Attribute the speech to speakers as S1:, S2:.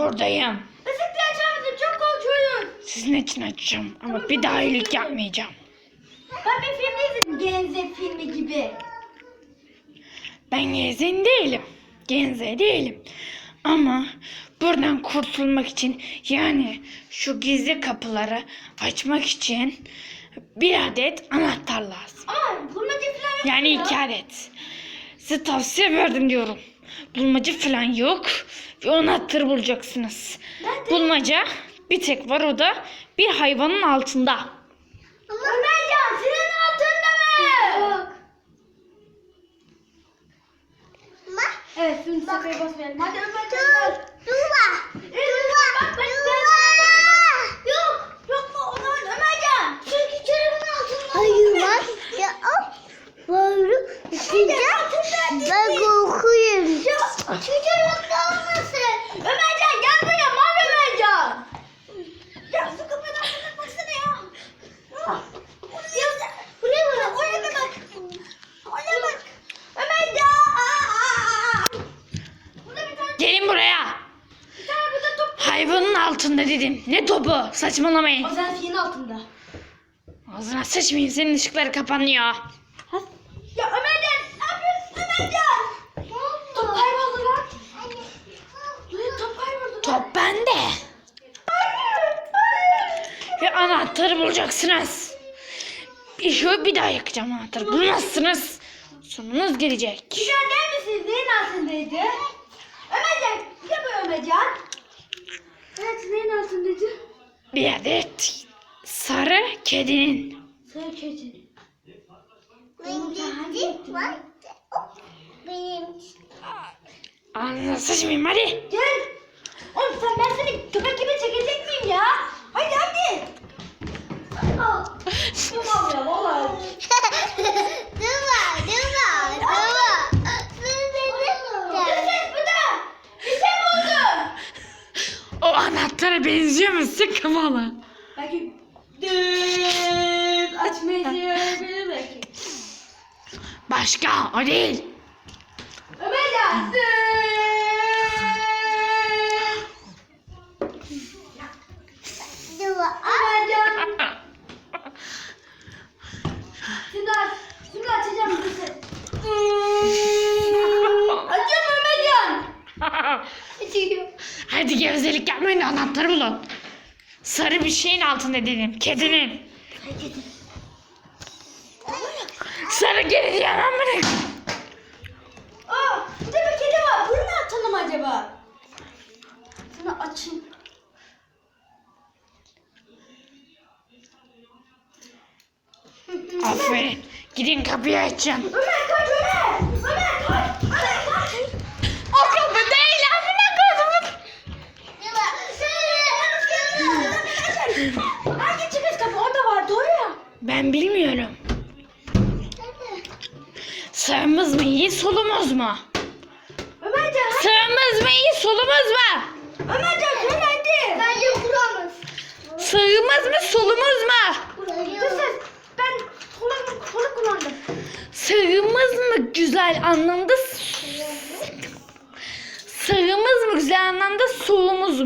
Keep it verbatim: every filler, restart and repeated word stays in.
S1: buradayım.
S2: Işık diye açar mısın? Çok korkuyorum.
S1: Sizin için açacağım ama bir daha iyilik yapmayacağım.
S2: Ben bir film izledim. Genze filmi gibi.
S1: Ben gezen değilim. Genze değilim. Ama buradan kurtulmak için, yani şu gizli kapıları açmak için bir adet anahtar lazım.
S2: Ama bulmaca falan yok.
S1: Yani
S2: ya.
S1: iki adet. Size tavsiye verdim diyorum. Bulmaca falan yok. Ve o anahtarı bulacaksınız.
S2: Nerede?
S1: Bulmaca bir tek var, o da bir hayvanın altında.
S2: Ama Ömercan senin altında mı? Yok. Evet, şimdi sefaya basmayalım. Hadi Ömercan. Duva. Duva. Yok. Yok mu? O zaman Ömercan. Çünkü çorabın altında.
S3: Hayır bak ya böyle sıcak ben korkuyorum.
S2: Şu çorabında olmasın. Ömercan gel buraya. Mal Ömercan. Ya su kapının altına baksana ya. Ya, buraya bak. Oraya da bak. Oraya bak. Ömercan. Burada bir tane,
S1: Gelin buraya.
S2: bir tane burada top.
S1: Hayvanın altında dedim. Ne topu? Saçmalamayın.
S2: O zaman fiyin altında.
S1: Ağzına sıçmayayım, senin ışıkları kapanıyor.
S2: Ya Ömercan ne yapıyorsun Ömercan? Top kayboldu lan. Buraya top kayboldu lan.
S1: Top bende.
S2: Hayır. Hayır.
S1: Ve anahtarı bulacaksınız. Bir şu bir daha yakacağım anahtarı. Bulmazsınız. Sonunuz gelecek.
S2: Güzel der misiniz? Neyin altındaydı? Ömercan. Bir de bu Ömercan. Evet neyin altındaydı?
S1: Bir adet sarı kedinin.
S2: Sarı keçi.
S3: Benim var. Benim
S1: Ağzına sıçmayayım, hadi.
S2: Gel. Oğlum sen ben seni köpek gibi çekecek miyim ya? Hadi hadi. Al. Tamam ya vallahi.
S3: Duva, duva, duva.
S2: Dur ses burada. Bir şey buldum.
S1: O anahtara benziyor mu? Sık kafalı.
S2: Belki düt açmayı sevebilir belki.
S1: Başka o değil.
S2: Ömercan. Düt.
S3: duva.
S2: Ömercan. Şimdi aç. Şimdi açacağım bir ses. Açıyorum Ömercan. Açıyorum.
S1: Hadi gevezelik yapmayın da anahtarı bulun. Sarı bir şeyin altında dedim. Kedinin. Sarı kedi diyemem bana.
S2: Aa, burada bir kedi var. Bunu ne atalım acaba? Şunu açayım.
S1: Aferin. Gidin kapıyı açın.
S2: Ömer kaç Ömer. Ömer kaç. Ömer kaç.
S1: O kapı değil, amına koydum.
S2: Hangi çıkış kapı? Orada var. Doğru ya.
S1: Ben bilmiyorum. Sağımız mı iyi, solumuz mu?
S2: Ömercan hadi.
S1: Sağımız mı iyi, solumuz mu?
S2: Ömercan sen hadi. Bence kuramaz.
S1: Sağımız mı, solumuz mu?
S2: Dur ses. Ben kolu, kolu kullandım.
S1: Sağımız mı güzel anlamda, sağımız mı güzel anlamda, solumuz mu?